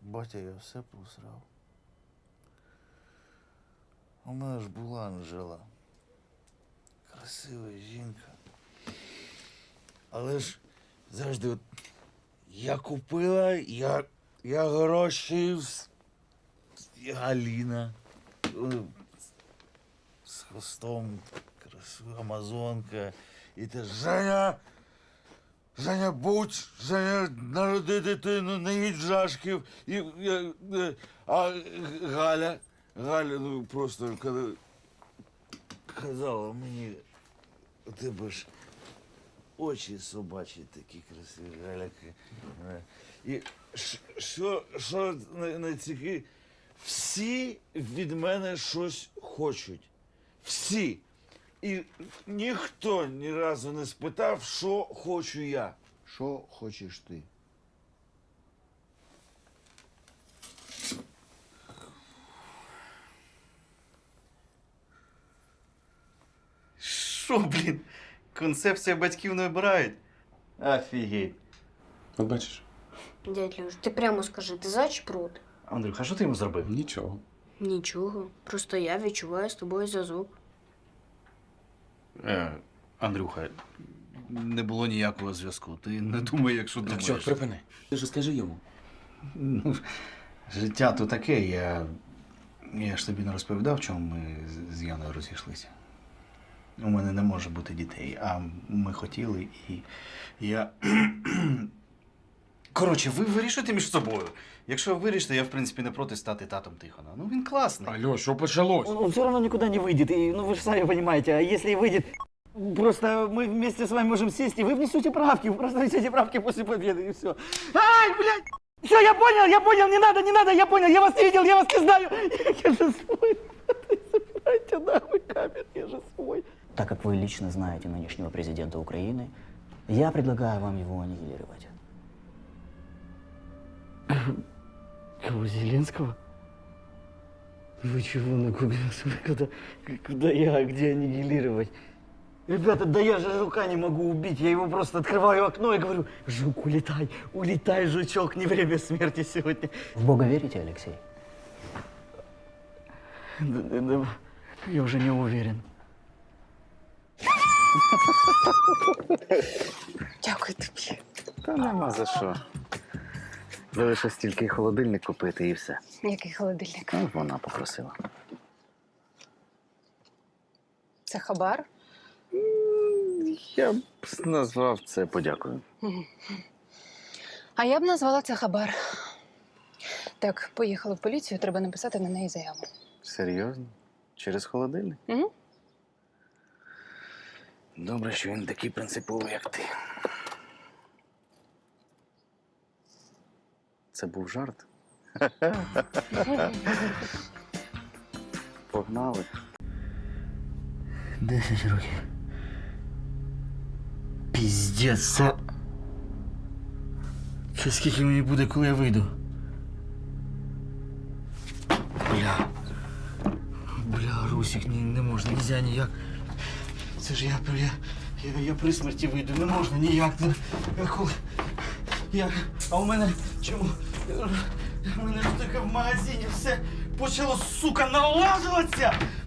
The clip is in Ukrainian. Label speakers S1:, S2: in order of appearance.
S1: батя я все посрав. У мене ж була Анжела. Красива жінка. Але ж завжди от я купила, я гроші, Галіна. З хвостом, красива амазонка. І те Женя, будь, Женя, народи дитину, не їдь жашків. А Галя, ну просто коли казала мені, у тебе ж очі собачі такі красиві, Галяки. І що найцікавіше, всі від мене щось хочуть. Всі. І ніхто ні разу не спитав, що хочу я.
S2: Що хочеш ти?
S3: Що, блін? Концепція батьків не обирають? Офігеть.
S4: От бачиш?
S5: Дядь Льош, ти прямо скажи, ти за чи проти?
S3: Андрюха, що ти йому зробив?
S4: Нічого.
S5: Нічого. Просто я відчуваю з тобою зв'язок.
S3: Андрюха, не було ніякого зв'язку. Ти не думай, якщо
S4: Так,
S3: думаєш.
S4: чорт, припини. Ти ж скажи йому.
S3: Ну, життя то таке. Я ж тобі не розповідав, чому ми з Яною розійшлися. У мене не може бути дітей, а ми хотіли і я. Коротше, ви вирішуєте між собою. Якщо ви вирішите, я в принципі не проти стати татом Тихона. Ну він класний.
S4: Алло, що почалось?
S6: Он все равно никуда не выйдет. И, ну, вы же сами понимаете, а если и выйдет, просто мы вместе с вами можем сесть, и вы внесете правки. Вы просто внесете правки после победы, и все. Ай, блядь! Все, я понял, не надо, я понял, я вас не видел, я вас не знаю. Я же свой. Забирайте нахуй камеру, я же свой.
S7: Так как вы лично знаете нынешнего президента Украины, я предлагаю вам его аннигилировать.
S6: Кого, Зеленского? Вы чего нагуглился? Куда я, где аннигилировать? Ребята, да я же жука не могу убить. Я его просто открываю окно и говорю: жук, улетай, улетай, жучок, не время смерти сегодня.
S7: В Бога верите, Алексей?
S6: Да, я уже не уверен.
S8: Дякую тобі.
S9: Та нема за що. Лише стільки холодильник купити і все.
S8: Який холодильник?
S9: Ну, вона попросила.
S8: Це хабар?
S9: Я б назвав це подякою.
S8: А я б назвала це хабар. Так, поїхали в поліцію, треба написати на неї заяву.
S9: Серйозно? Через холодильник?
S8: Угу.
S9: Добре, що він такий принциповий, як ти. Це був жарт? Погнали.
S6: 10 років. Піздець, це скільки мені буде, коли я вийду? Бля, Русик, не можна, нельзя ніяк. Це ж я при смерті вийду, не можна ніяк. А у мене чому? У мене ж таке в магазині все почало, сука, налажуватися!